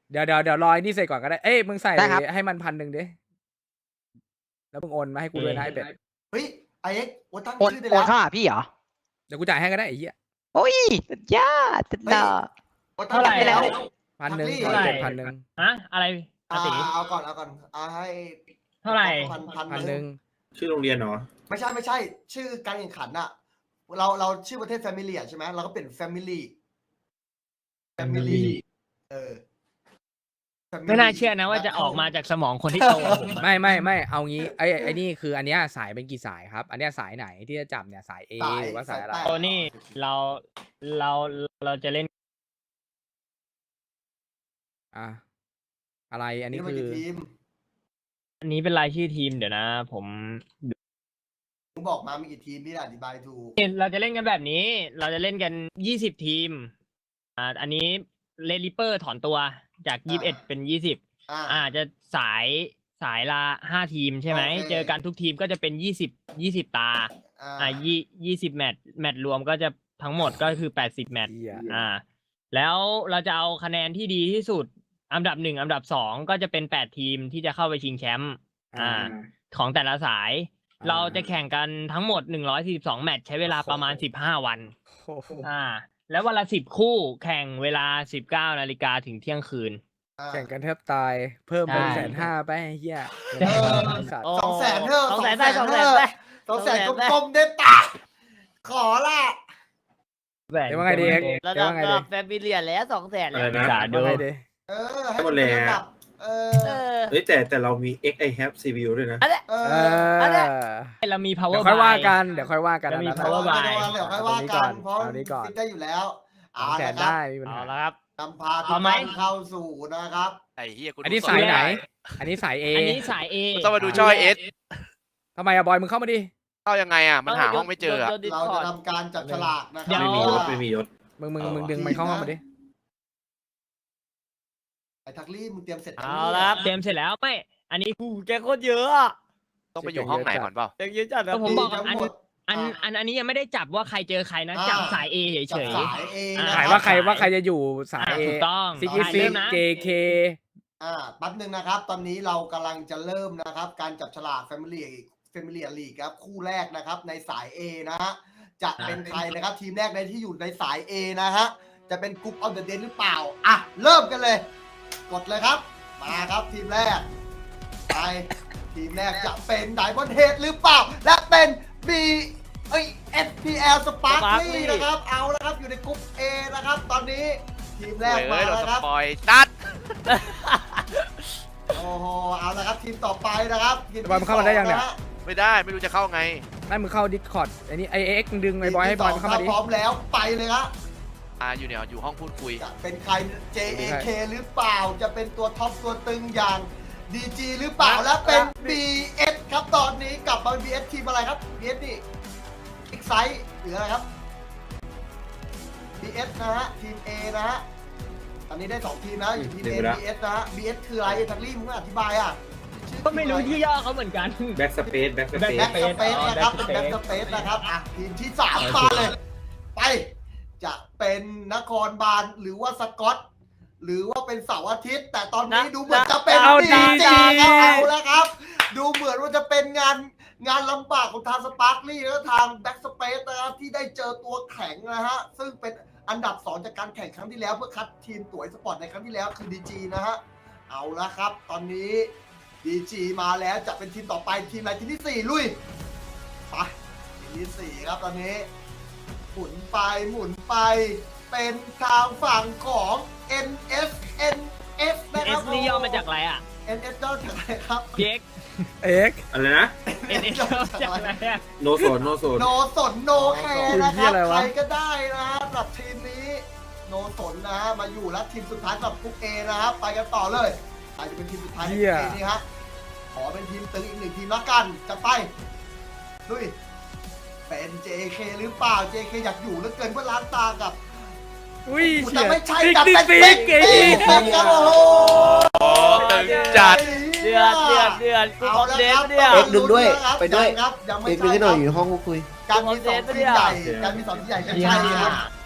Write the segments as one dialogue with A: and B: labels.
A: เดี๋ยวรอไอ้นี่เสร็จก่อนก็ได้เอ้ยมึงใส่
B: ได้ครับ
A: ให้มัน1,000ดิแล้วมึงโอนมาให้กูด้วยนะไอ้เป็ด
C: เฮ้ยไอเอ็กโอ้ตั้ง
B: โอน
C: ชื่อได้
B: โอ
C: แล้
B: น
C: ว
B: เข้าหาพี่เหรอ
A: เดี๋ยวกูจ่ายให้ก็ได้ไอ้เหี้ย
B: โอ้ยสุดยอดสุดยอด
C: โอ้ตั้งชื่อได้แล้ว
A: 1,000
C: เท่าไหร่
A: เจ็ด1,000
D: ฮะอะไรอาติ
C: เอาก่อนให้
D: เท่าไหร่
A: 1,000
E: ชื่อโรงเรียนเหรอ
C: ไม่ใช่ ชื่อการแข่งขันอะเราชื่อประเทศแฟมิลี่ใช่ไหมเราก็เป็นแฟมิลี่
D: ไม่น่าเชื่อนะว่าจะออกมาจากสมองคนที่โตกว่าผมอะ
A: ไม่เอางี้ไอ้นี่คืออันเนี้ยสายเป็นกี่สายครับ อันเนี้ยสายไหนที่จะจับเนี่ยสาย A หรือว่าสายอะไร
D: โอ้นี่เราจะเล่น
A: อ่ะอะไรอันนี้
C: นี่มัน
A: คือ
C: กี่ทีม
D: อันนี้เป็นรายชื่อทีมเดี๋ยวนะ ผม
C: มึงบอกมามีกี่ทีมที่อธิบายถูก
D: เราจะเล่นกันแบบนี้ เราจะเล่นกัน20ทีมอันนี้เลลิเปอร์ถอนตัวจาก21เป็น20จะสายละ5ทีมใช่ไหมเจอกันทุกทีมก็จะเป็น20ตา20แมตช์รวมก็จะทั้งหมดก็คือ80แมตช์
A: เหี้ย
D: แล้วเราจะเอาคะแนนที่ดีที่สุดอันดับ1อันดับ2ก็จะเป็น8ทีมที่จะเข้าไปชิงแชมป์ของแต่ละสาย เราจะแข่งกันทั้งหมด142แมตช์ใช้เวลาประมาณ15วัน
A: โอ้โห
D: แล้ววันละ10คู่แข่งเวลา19 นาฬิกาถึงเที่ยงคืน
A: แข่งกันแทบตายเพิ่มเป็น
D: ใช่
A: 150,000ไปไอ้เหี้ย
C: เออ
A: ไอ้สัตว์
C: 200,000เถอะ
B: 200,000ได้
C: 200,000 200,000กลมๆได้ปะขอละ
A: เดี๋ยวว่าไงดีเอ็ก
B: ระ
A: เดี๋ยว
B: ดับ
A: ว่าไง
B: ระ
A: ดี
B: ดับแฟมิเลียแล้ว200,000
E: อะไร
B: แล้ว
E: นะ
D: จ่าดู
A: ว่าไงดี
C: ให้มันเป็นระดับ
E: เฮ้ยแต่เรามี X I have CPU ด้วยนะ
C: เอ
A: เอ
C: อ
D: เรามี
A: เดี๋
D: power
A: ยวค่อยว่า
D: buy
A: กันเดี๋ยวค่อยว่ากัน
D: จะมี
A: อันนั้น
D: power
A: อะ
D: buy
C: เดี๋ยวค่อยว่ากันเพราะ
A: เอานี้ก่อน
C: คิดได้อยู่แล้ว
A: 200,000
C: ละค
A: ได้
C: รับ
A: มีปัญ
B: เอา
A: หา
B: ละครับ
C: นำพาทุ
D: เอา
C: ก
D: ไหม
C: ท่านเข้าสู่นะครับ
F: ไอ้เฮียกู
A: อันนี้
F: ดู
A: สายไหน
F: ม่ด้
A: อันนี้สาย A
D: อันนี้สาย A
F: ต้องมาดูช่อยเอส
A: ทำไมอะบอยมึงเข้ามาดิ
F: เข้ายังไงอ่ะ มันหาห้องไม่เจออะ
C: เราจะทำการจับฉลากนะค
D: เดี๋
C: รั
D: ยว
E: ไม่มียศ
A: มึงดึงมันเข้าห้องมาดิ
C: ไอ้ทักลี่มึงเตรียมเสร็จ
B: เอาละครับ
D: เต็มเสร็จแล้วไม่อันนี้
B: แกโคตรเยอะอะ
F: ต้องไปอยู่ห้องไหนก่อนเปล่า
B: แกเยอะจัดนะ
D: ก็ผมบอก
C: ทั้งหมด
D: อันนี้ยังไม่ได้จับว่าใครเจอใครนะจับสาย A เฉ
C: จับ
D: ย
C: สายเอง
A: ขายว่าใครจะอยู่สาย A
D: ถูกต้อง
A: ซิกิซิ
D: เริ่
A: ก
D: มนะ
A: JK
C: แป๊บนึงนะครับ ตอนนี้เรากำลังจะเริ่มนะครับ การจับฉลาก Family League ครับ คู่แรกนะครับในสาย A นะฮะ จะเป็นใครนะครับ ทีมแรกในที่อยู่ในสาย A นะฮะ จะเป็นกรุ๊ปออฟเดอะเดนหรือเปล่า อ่ะ เริ่มกันเลย กดเลยครับ มาครับทีมแรก ไป ทีมแรกจะเป็นไดมอนด์เฮดหรือเปล่า และเป็น SPL Sparkly นะครับ เอาแล้วครับ อยู่ในกรุ๊ป A นะครับ ตอนนี้ทีมแรก
F: เฮ้
C: มาย
F: โดน
C: แล้ว
F: ส
C: ครับ
F: ปอยตัด
C: โอ้โห เอาละครับทีมต่อไปนะครับทีม
A: บอยมันเข้ามาได้ยังเนี่ย
F: ไม่ได้ไม่รู้จะเข้าไง
A: นั่นมึงเข้า Discord ไอ้นี่ไอเอ็กมึงดึงไอ้บอยให้บอยมันเข้ามาดิ
C: พร้อมแล้วไปเลยครับ
F: อยู่เนี่ยอยู่ห้องพูดคุย
C: จะเป็นใคร JAK หรือเปล่า จะเป็นตัวท็อปตัวตึงอย่าง DG หรือเปล่า และเป็น BS ครับตอนนี้กลับมา BS ทีมอะไรครับ BS นี่ Excite หรืออะไรครับ BS นะฮะ ทีม A นะฮะ ตอนนี้ได้ 2 ทีมนะ อยู่ทีม A BS นะฮะ BS คืออะไรทักลี่มึงอธิบายอ่ะชื่อ
D: ก็ไม่รู้ที่ย่อเขาเหมือนกัน
E: แบ็กสเปซ
C: แบ็กสเปซนะครับเป็นแบ็กสเปซนะครับอ่ะทีมที่ 3 มาเลย ไป จะเป็นนครบาลหรือว่าสกอต หรือว่าเป็นเสาร์อาทิตย์ แต่ตอนนี้ดูเหมือนจะเป็น
A: เอาดี
C: จริงๆเอาแล้วครับ ดูเหมือนว่าจะเป็นงานลำบากของทางสปาร์คลี่และทางแบ็กสเปซนะครับที่ได้เจอตัวแข็งนะฮะซึ่งเป็นอันดับ 2 จากการแข่งครั้งที่แล้วเพื่อคัดทีมตั๋วสปอร์ตในครั้งที่แล้วคือ DG นะฮะเอาละครับ ตอนนี้ DG มาแล้วจะเป็นทีมต่อไปทีมอะไรทีมที่ 4 ลุยไปทีมที่ 4 ครับตอนนี้หมุนไปเป็นทางฝั่งของ NS นะครับ
D: S นี่ย่อมาจากอะไรอ่ะ
C: NS ย่อจากอะไรครับ
D: PX
A: เอ็ก
E: อะไรนะ
D: NS ย่อมาจากอะไรอ่ะ
E: โนโซน
C: โนสนโนแคร์นะครับใครก็ได้นะฮะสำหรับทีมนี้โนสนนะฮะมาอยู่แล้วทีมสุดท้ายสำหรับกรุ๊ป A นะครับไปกันต่อเลยใครจะเป็นทีมสุดท้ายในกรุ๊ป A นี่ฮะขอเป็นทีมตึงอีก 1 ทีมละกันจะไปลุยเป็น JK หรือเปล่า JK อยากอยู่เหลือเกินเพื่อล้างตากับ
A: อุ้ย
C: แต่ไม่ใช่
A: ติ๊ก
C: กับ
A: ติ๊
C: เป็
A: ก
C: น
A: ติ๊ก
C: ติ๊ก
A: เก๋
C: ครับโอ้โห
F: โอ้ตึงจัด
B: เดือดกู
C: เอา
B: คอม
C: แล้ว
B: เดน
C: ครับ
B: เนี่ย
G: เอ็กซ์ดึงด้วยไปด้วย
C: ครับยังไม่
G: เด็ก
C: ใช่
G: ดึงให้ห
C: ค
G: น่
C: รั
G: อย
C: บ
G: อยู่ในห้องคุย
C: การมีสองทีมใหญ่การมีสองทีมใหญ่จะใช่ครับ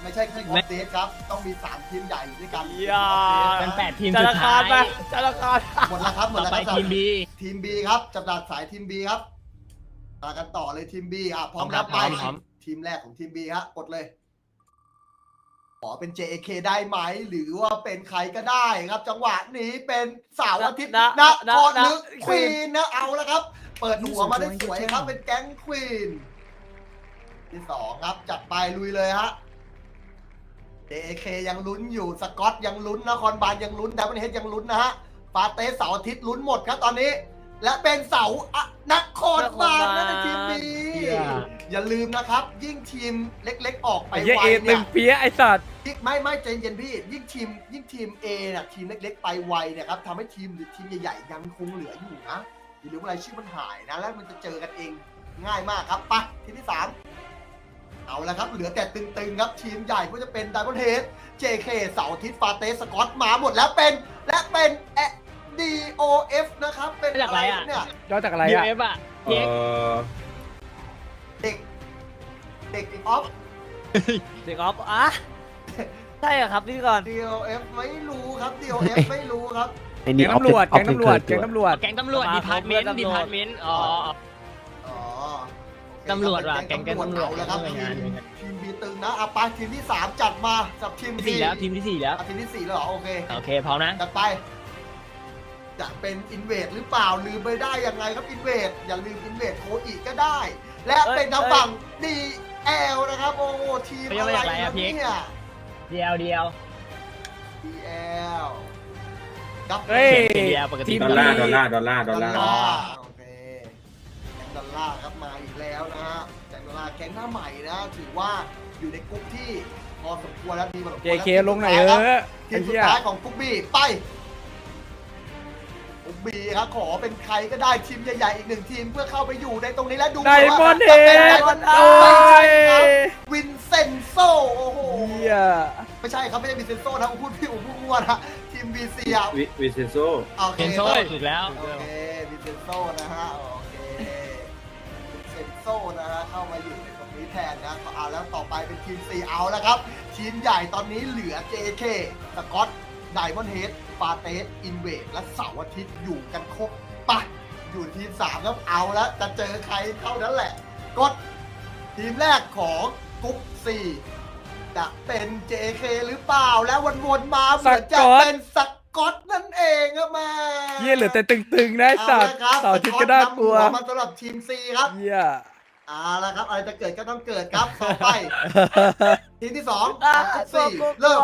C: ไม่ใช่ทีมออฟเดตครับต้องมี3ทีมใหญ่อยู่ด้วยกัน
B: อย่า
D: เป็น8ทีม
B: ธ
D: สุ
B: นา
D: ด
B: คา
D: ท้าร
B: ไป
D: ย
B: ธนาคาร
C: หมดแล้วครับหมด
D: ต่อ
C: แล้ว
D: ไป
C: ครับ
D: ทีม B
C: ทีม B ครับจับดาบสายทีม B ครับมากันต่อเลยทีม B พร้อมแล้วไป
D: พร้อม
C: ทีมแรกของทีม B ฮะกดเลยขอเป็น JK ได้ไหมหรือว่าเป็นใครก็ได้ครับ จังหวะนี้เป็นเสาร์อาทิตย์นะครลึกควีนนะเอาแล้วครับ เปิดหัวมาได้สวยครับเป็นแก๊งควีนที่2ครับจัดไปลุยเลยฮะ JK ยังลุ้นอยู่สกอตยังลุ้นนครบาลยังลุ้นดับเบิลเฮดยังลุ้นนะฮะฟาเตสเสาร์อาทิตย์ลุ้นหมดครับตอนนี้ และเป็นเสาร์นครบาลนะในทีมนี้ อย่าลืมนะครับ ยิ่งทีมเล็กๆออกไป
A: ไอ้เหี้ย
C: ไว
A: เอ
C: เนี่
A: ตึ
C: ย
A: งเปี้ยไอ้สัตว์
C: ไม่ใจเย็นพี่ยิ่งทีม A น่ะทีมเล็กๆไปไวเนี่ยครับทำให้ทีมใหญ่ๆยังคงเหลืออยู่นะอย่าลืมอะไรายชื่อมันหายนะแล้วมันจะเจอกันเองง่ายมากครับไปทีมที่3เอาละครับเหลือแต่ตึงๆครับทีมใหญ่ก็จะเป็นไดมอนด์เฮด JK เสาร์อาทิตย์ฟาเตสสกอตมาหมดแล้วเป็นDOF นะครับเป็นอะไรเนี่ย
A: ย่อจากอะไร
D: ยู
A: อ่ะ
D: เอฟอ่ะเพียก
C: เด็กออฟ
B: เด็กออฟอ่ะใช่เหรอครับพี่ก่อน
C: DOF ไม่รู้ครับ DOF ไม่รู้ครับ
A: แก๊งตำรวจแก๊งตำรวจแก๊งตำรวจ
D: แก๊งตำรวจดีพาร์ตเมนต์ดีพาร์ตเมนต์อ๋อ
C: อ๋อ
D: ตำรวจว่ะแก๊งตำรวจ
C: เอาแล้วครับ
D: หน่วยงาน
C: ทีมบีตึงนะไปทีมที่3จัดมากับทีม
D: ที่สี่แล้วทีมที่สี่แล้ว
C: ทีมที่4แล้วเหรอโอเค
D: โอเคพร้อมนะ
C: จัดไปจะเป็นอินเวดหรือเปล่าลืมไปได้ยังไงครับอินเวดอย่าลืมอินเวดโคอีกก็ได้ และเป็นทางฝั่ง DL นะครับโอ้ทีมอะไรครับเนี่ย
D: เดียว
C: DL ครับ
A: เฮ้ย
D: เดียวปกติ
A: ทีม
E: ดอลลาร์ดอลลาร์ดอลลาร์ดอลลาร์
C: โอเคแก๊งดอลลาร์ครับมาอีกแล้วนะฮะแก๊งดอลลาร์แก๊งหน้าใหม่นะถือว่าอยู่ในกลุ่มที่พอสมควรแล้วดีพอสมควร
A: JK
C: แล้ว
A: ลงไหนอยเออ
C: ที
A: ไอ้
C: มสุด
A: เหี้ย
C: ท้ายของกรุ๊ปบีไปกรุ๊ปบีครับขอเป็นใครก็ได้ทีมใหญ่ๆอีก1ทีมเพื่อเข้าไปอยู่ในตรงนี้และดู
A: ไดมอนด์เฮ
C: จะเป็นได
A: ด
C: มอนด์
A: โอ้
C: ไม่ใช่
A: ย
C: ครับวินเซนโซโอ้โห
A: เหี้ย
C: ไม่ใช่ครับไม่ใช่วินเซนโซนะผมพูดพี่ผมพูดมั่วนะทีมบีซีอ่ะ
E: วิเซนโซ
C: โอเค
D: เป็นโซ่ถูกแล้ว
C: โอเควินเซนโซนะฮะโอเควินเซนโซนะฮะเข้ามาอยู่ในตรงนี้แทนนะเอาแล้วต่อไปเป็นทีมซีเอาแล้วครับทีมใหญ่ตอนนี้เหลือ JK สกอตไดมอนด์เฮดฟาเตสอินเวดและเสาร์อาทิตย์อยู่กันครบปะอยู่ทีม3แล้วเอาแล้วจะเจอใครเท่านั้นแหละ กดทีมแรกของกรุ๊ป4จะเป็น JK หรือเปล่าแล้ววนๆมาเหมือนจะเป็นสกอตนั่นเองครับมา
A: เหี้ยเหลือแต่ตึงๆนะไอ้สัตว์เสาร์อาทิตย์ก็น่ากลัว
C: มาสำหรับทีม C ครับ
A: เหี้ย
C: เอาละครับอะไรจะเกิดก็ต้องเกิดครับต่อไป ทีมที่2
B: อ่ะ
C: กรุ๊ป
B: ตัว
C: 4เริ่ม
B: ตัว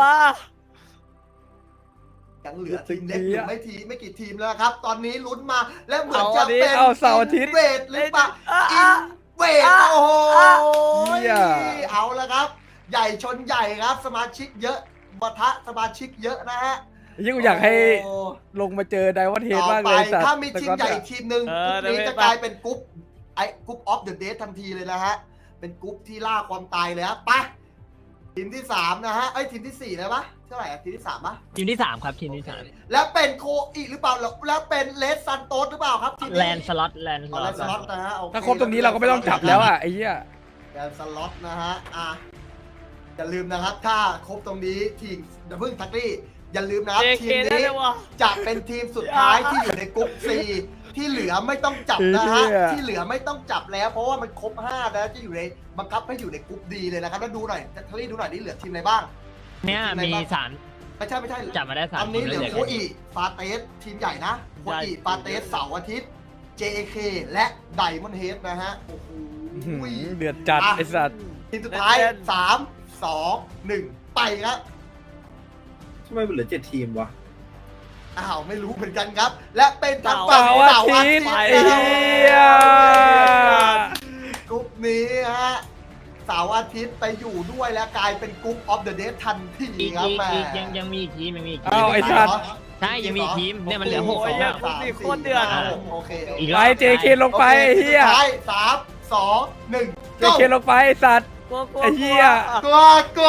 C: ยังเหลือทีมเล็กอยู่ไม่กี่ทีมแล้วครับ ตอนนี้ลุ้นมาและเหมือนจะ
A: เอาอันนี้
C: เป็น
A: เอาเสาร์อาทิตย์
C: เวทหรือเปล่าอินเวทโอ้โห
A: เหี้ย
C: เอาละครับ ใหญ่ชนใหญ่ครับ สมาชิกเยอะปะทะสมาชิกเยอะนะฮะ
A: ยิ่งกูอยากให้
C: โอ้
A: ลงมาเจอไดมอนด์เฮด
C: ต่อ
A: มาก
C: ไป
A: เลยสัตว์
C: ถ้ามีทีมใหญ่
A: แต่
C: อีกทีมหนึ่งกรุ๊ปนี้จะกลายเป็นกรุ๊ปกรุ๊ปออฟเดอะเดททันทีเลยนะฮะ เป็นกรุ๊ปที่ล่าความตายเลยฮะไปทีมที่3นะฮะทีมที่4เลยปะเท่าไหร่ทีมที่3ปะ
D: ทีมที่3ครับทีมที่สาม
C: แล้วเป็นโคอีหรือเปล่าแล้วเป็นเลสซันโตสหรือเปล่าครับทีมนี้
D: แลนสล็อต
C: แลนสล็อตนะฮะโอเ
A: ถ้าครบตรงนี้เราก็ไม่ต้องจับแล้วอ่ะไอ้เหี้ย
C: แลนสล็อตนะฮะอย่าลืมนะครับถ้าครบตรงนี้ทีมเดี๋ยวเพิ่งทักลี่อย่าลืมนะครับ
B: JK
C: ทีม
B: ได้
C: นี้
B: เลยวะ
C: จะเป็นทีมสุดท้ายที่อยู่ในกรุ๊ป C ที่เหลือไม่ต้องจับนะฮะที่เหลือไม่ต้องจับแล้วเพราะว่ามันครบ5นะจะอยู่ในบังคับให้อยู่ในกรุ๊ป D เลยนะครับแล้วดูหน่อยทักลี่ดูหน่อยนี่เหลือทีมอะไรบ้าง
D: เนี่ยมีสาม
C: ไม่ใช่
D: จับมาได้
C: ต
D: 3
C: อนนี้เหลือโค
D: อี
C: อีฟาเตสทีมใหญ่นะโคอีฟาเตสเสาร์อาทิตย์ JK และไดมอนด์เฮดนะฮะโอ้โห
A: เดือดจัดไอ้สัตว์
C: ทีมสุดท้าย3 2 1ไปครับ
E: ทำไมมันเหลือ7ทีมวะ
C: อ้าวไม่รู้เหมือนกันครับ และเป็นทางฝั่ง
A: เสาร์อาทิตย์
C: นะ
A: ไอ้เหี้ย
C: กรุ๊ปนี้ฮะเสาร์อาทิตย์ไปอยู่ด้วยและกลายเป็นกรุ๊ปออฟเดอะเดย์ทันที
D: อีก
C: ครับแม่
D: ยังมีอีกทีมยังมีอีกที
A: อ้าม วไอ้สัตว์
D: ใช่ยังมีอีกทีมเนี่ยมันเหลือ6
B: โอ้ย
D: แล้ว
B: กรุ๊ปนี้โคตรเดือด
C: โอเค
D: อีก
A: ไป JK ลงไปไอ้เหี้ย
C: สุดท้าย3 2 1
A: JK ลงไปไอ้สัตว์
B: กลัวกลัว
A: ไอ้เหี้ย
C: กลัว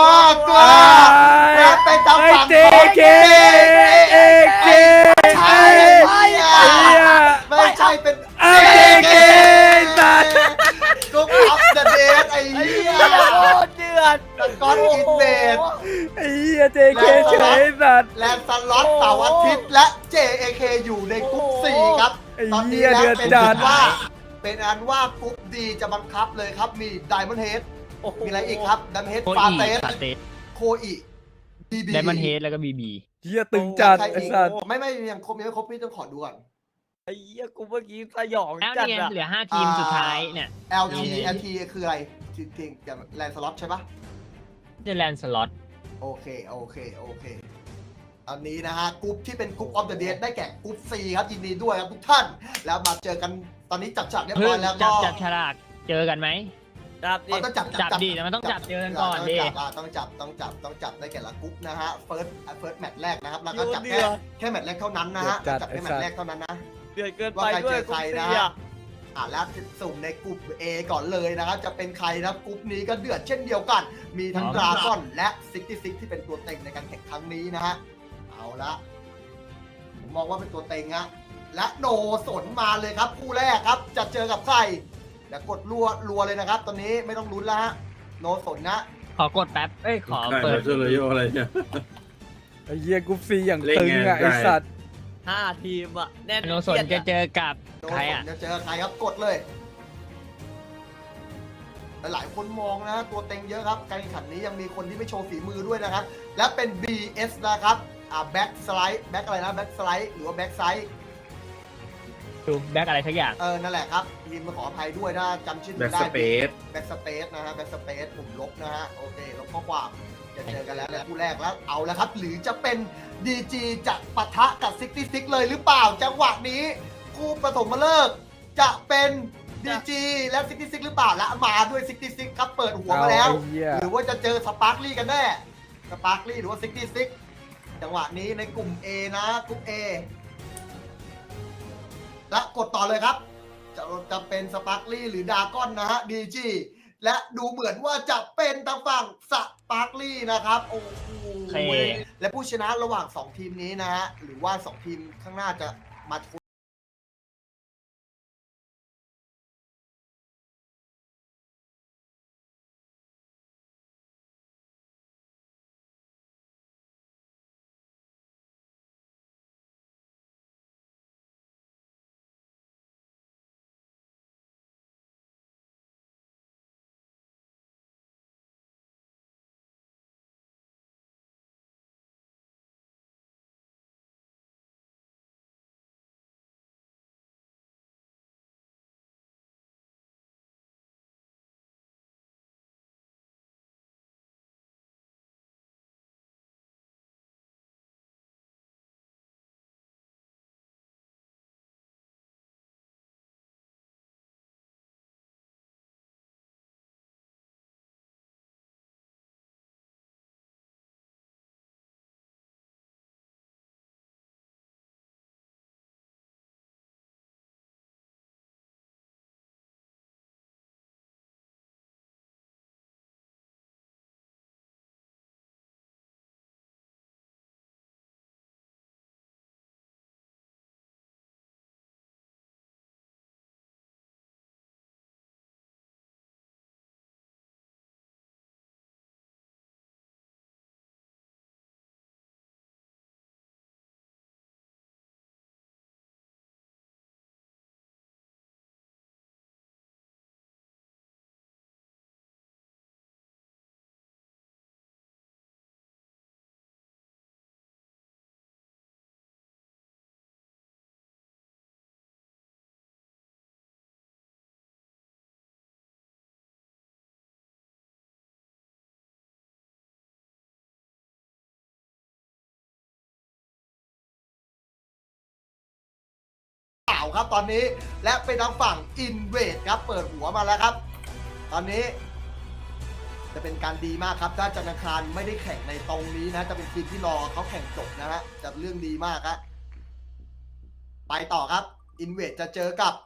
C: และเป็นทางฝั่ง
A: JK เอเค
C: ใช่ไม่
A: ไอ้เหี้ย
C: ไม่ใช่เป็น
A: JK สัตว์
C: กรุ๊ปออฟเดอะเดย์ไอ้
B: ไอ้
C: เหี้
B: เหี้
C: ย
B: ยโคตรเดือด
C: สกอตอินเวด JAK อยู่ในกรุ๊ป 4 ครับ
A: ไอ้
C: ตอนนี้
A: เหี้ย
C: นะ
A: เดือด
C: เป็น
A: จั
C: อั
A: ด
C: นว่ากรุ๊ป D จะบังคับเลยครับมี Diamond Head
B: โอ้โห
C: มีอะไรอีกครับ Diamond Head
D: โค
C: ฟา
D: อี
C: เตส
D: ฟาเตส
C: โคอีบีบี
D: ไดมอนเฮดแล้วก็บีบี
A: เหี้ยตึงจัด
C: ใคร
A: ไอ้
C: อีก
A: สัตว์
C: ไม่ยังครบพี่ต้องขอดูก่อน
B: ไอ้เหี้ยกูเมื่อกี้สยอง
D: แล้ว
B: จัด
D: นี่ไง
B: อะ
D: เหลือ5 ทีมสุดท้ายเนี่ย
C: LT คืออะไรจริงๆอย่างแลนสล็อตใช่ปะ
D: เดแลนสล็อต
C: โอเคอันนี้นะฮะกรุ๊ปที่เป็นกรุ๊ปออฟเดอะเดดได้แก่กรุ๊ป C ครับยินดีด้วยครับทุกท่าน แล้วมาเจอกันตอนนี้จับฉากเรียบ
D: เพิ่
C: ร้อง ยแล้ว
D: จั
C: ก็
D: บฉลากเจอกันไหม
B: จับดิ
C: ต้องจับ
D: จับดีแต่มันต้องจับเจอกันก่อนดิ
C: ต้องจับได้แก่ละกรุ๊ปนะฮะเฟิร์สแมตช์แรกนะครับแล้วก็จับ
B: เดือด
C: แค่แมตช์แรกเท่านั้นนะฮะ
A: เดือดจัด
C: จับแค่แมตช์แรกเท่านั้นนะ
B: เดือดเกิน
C: ว่า
B: ไป
C: ใคร
B: ด้ว
C: เจ
B: ย
C: อใครนะ
B: กูเสีย
C: แล้วสุ่มในกลุ่ม A ก่อนเลยนะครับ จะเป็นใครนะกลุ่มนี้ก็เดือดเช่นเดียวกัน มีทั้งดราก้อนและ66ที่เป็นตัวเต็งในการแข่งครั้งนี้นะฮะ เอาละผมมองว่าเป็นตัวเต็งฮะ และโนสนมาเลยครับคู่แรกครับ จะเจอกับใครเดี๋ยวกดรัวเลยนะครับ ตอนนี้ไม่ต้องลุ้นแล้วฮะ โนสนนะ
D: ขอกดแป๊บ ขอเปิด
E: เจอเลยโยอะไรเนี่ย
A: ไอ้เหี้ยกรุ๊ปซีอย่าง
E: เล่น
A: ตึง
E: ไง
A: อ่ะไอ้
E: ได้
A: สัตว์
B: 5 ทีมอะแน่น
D: โนสนจะเจอกับ
C: โน
D: ใคร
C: สน
D: อ่ะ
C: จะเจอใครครับกดเลย หลายคนมองนะฮะตัวเต็งเยอะครับการแข่งขันนี้ยังมีคนที่ไม่โชว์ฝีมือด้วยนะครับ และเป็น BS นะครับแบ็กสไลด์แบ็กอะไรนะแบ็กสไลด์หรือว่าแบ็กไซด์
D: ดูแบ็กอะไรสักอย่าง
C: นั่นแหละครับทีมมาขออภัยด้วยถ้าจำชื่อ
E: แบ็ก
C: ได้
E: สเปซ
C: แบ็กสเปซนะฮะแบ็กสเปซปุ่มลบนะฮะโอเคลบข้อความจะเจอกันแล้วในคู่แรกแล้วเอาแล้วครับ หรือจะเป็น DG จะปะทะกับ66เลยหรือเปล่าจังหวะนี้คู่ปฐมฤกษ์จะเป็น DG และ66หรือเปล่าและมาด้วย66ครับเปิดหัวมาแล้ว
A: เอไอ้เหี้ย
C: หรือว่าจะเจอสปาร์คลี่กันแน่สปาร์คลี่หรือว่า66จังหวะนี้ในกลุ่ม A นะกลุ่ม A และกดต่อเลยครับ จะเป็นสปาร์คลี่หรือดากอนนะฮะ DG และดูเหมือนว่าจะเป็นทางฝั่งสปาร์คลี่นะครับโอ้โห
D: โอเค
C: และผู้ชนะระหว่าง 2 ทีมนี้นะฮะหรือว่า 2 ทีมข้างหน้าจะมาชนครับตอนนี้และเป็นทางฝั่งอินเวดครับเปิดหัวมาแล้วครับ ตอนนี้ จะเป็นการดีมากครับถ้าจันทร์อังคารไม่ได้แข่งในตรงนี้นะจะเป็นทีมที่รอเขาแข่งจบนะฮะจะเรื่องดีมากครับไปต่อครับอินเวดจะเจอกับ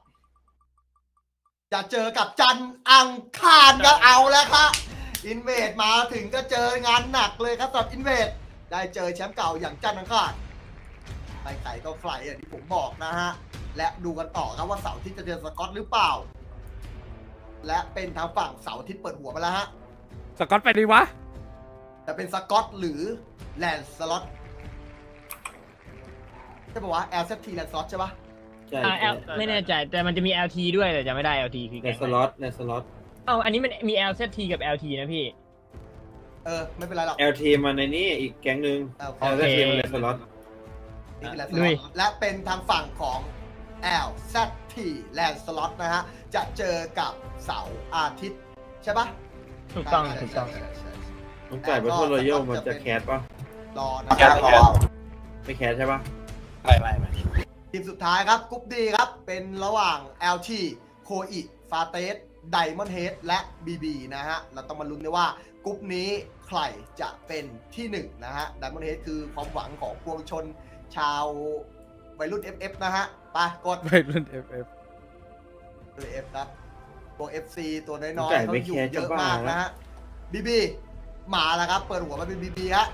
C: จันทร์อังคารก็เอาแล้วครับอินเวดมาถึงก็เจองานหนักเลยครับสำหรับอินเวดได้เจอแชมป์เก่าอย่างจันทร์อังคารไปไก่ก็ไฟอย่างที่ผมบอกนะฮะและดูกันต่อครับว่าเสาร์อาที่จะเจอสกอตหรือเปล่าและเป็นทางฝั่งเสาร์อาที่เปิดหัวมาแล้วฮะ
A: สกอตไปดีวะ
C: จะเป็นสกอตหรือแลนสล็อตใช่ปะวะ LZT แลนด์สล็อตใช่ปะ
E: ใช่
D: L ไม่แน่ใจแต่มันจะมี LT ด้วยแต่จะไม่ได้ LT คือ
E: ใน
D: แก๊ง
E: สล็อตในสล็อต
D: เอ้าอันนี้มันมี LZT กับ LT นะพี่
C: ไม่เป็นไรหรอก
E: LT มันในนี่อีกแก๊งหนึ่ง
C: โอเค
E: LT มันในสล็อต
C: นี่คือแลนด์ส
D: ลุ
C: ล็อย ตและเป็นทางฝั่งของ LZT แลนด์สล็อตนะฮะจะเจอกับเสาร์อาทิตย์ใช่ปะ
D: ถูกต้อง
C: ใช่
D: ถูกต้อง
C: ใช่ใช่
E: น้องไก่เป็นคนรอยัลมันจะแคสปะ
C: รอนะครับ
E: ไม่แคสใช่ปะ
C: ทีมสุดท้ายครับกรุ๊ปดีครับ เป็นระหว่าง LT โคอิฟาเตสไดมอนด์เฮดและ BB นะฮะ เราต้องมาลุ้นด้วยว่ากรุ๊ปนี้ใครจะเป็นที่หนึ่งนะฮะไดมอนด์เฮดคือความหวังของปวงชนชาววัยรุ่น FF นะฮะ ไปกด
A: ไปรุ่น FF
C: ตัว F ครับตัว FC ตัวน้
E: น้อง
C: อย
E: ไก่
C: ๆเขา
E: ไม่
C: อยู่
E: แคส
C: เย
E: จะ
C: อะ
E: บ้าม
C: าก
E: แล้
C: นะ
E: ว
C: ฮะ BB มาแล้วครับ เปิดหัวมาเป็น BB ฮะ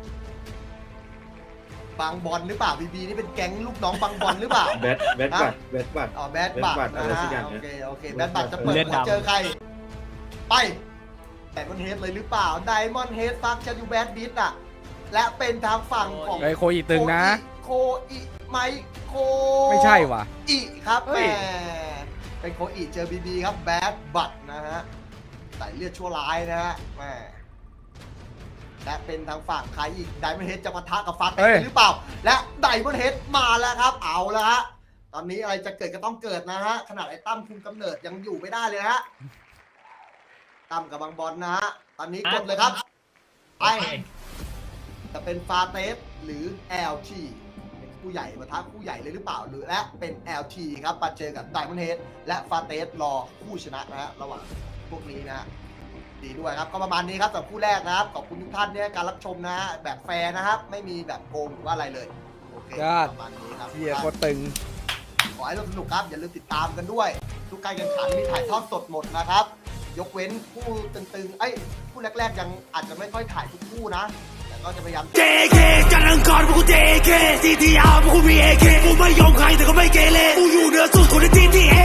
C: บางบอลหรือเปล่า BB นี่เป็นแก๊งลูกน้องบางบอลหรือเปล่า
E: แบทบัต
C: อ๋อแบดบัต
E: Bad Bud
C: นะ
E: อะไรสั
C: ฮะ
E: กอย่าง
C: โอ
E: เนี่ย
C: เคโอเคแบดบัตจะเปิด
D: เลือด
C: หัว
D: ดำ
C: เจอใคร ไปไดมอนด์เฮดเลยหรือเปล่าไดมอนด์เฮดฟักชันยูแบดบิทอ่ะ และเป็นทางฝั่งของ
A: ไอโคอีตึงนะ
C: โคอิไมโค
A: ไม่ใช่ว่ะ
C: อิครับ
A: เฮ้
C: แหม
A: ย
C: เป็นโคอิเจอบีบีครับแบดบัตนะฮะใส่เลือดชั่วร้ายนะฮะแหมและเป็นทางฝั่งใครอีกไดมอนด์เฮดจะปะทะกับฟักหรือเปล่า และไดมอนด์เฮดมาแล้วครับ เอาแล้วฮะตอนนี้อะไรจะเกิดก็ต้องเกิดนะฮะขนาดไอ้ตั้มคุมกำเนิดยังอยู่ไม่ได้เลยนะฮะตั้มกับบางบอลนะฮะตอนนี้กดเลยครับไปจะเป็นฟาเตสหรือ LT เป็นผู้ใหญ่ปะทะผู้ใหญ่เลยหรือเปล่าหรือและเป็น LT ครับมาเจอกับไดมอนด์เฮดและฟาเตสรอผู้ชนะนะฮะระหว่างพวกนี้นะฮะดีด้วยครับก็ประมาณนี้ครับสำหรับคู่แรกนะครับขอบคุณทุกท่านที่ให้การรับชมนะฮะแบบแฟร์นะครับไม่มีแบบโกงหรือว่าอะไรเลยโอเค
A: ยอด
C: ประมาณนี้ครับ
A: เชียร์โคตรตึง
C: ขอให้สนุกครับ อย่าลืมติดตามกันด้วย ทุกการแข่งขันมีถ่ายทอดสดหมดนะครับ ยกเว้นคู่ตึงๆคู่แรกๆยังอาจจะไม่ค่อยถ่ายทุกคู่นะ แต่ก็จะพยายาม
G: JK จันทร์อังคารพวกกู JK CTR พวกกูมี AK กูไม่ยอมใครแต่ก็ไม่เกเรกูอยู่เหนือสุดคนในทีมที่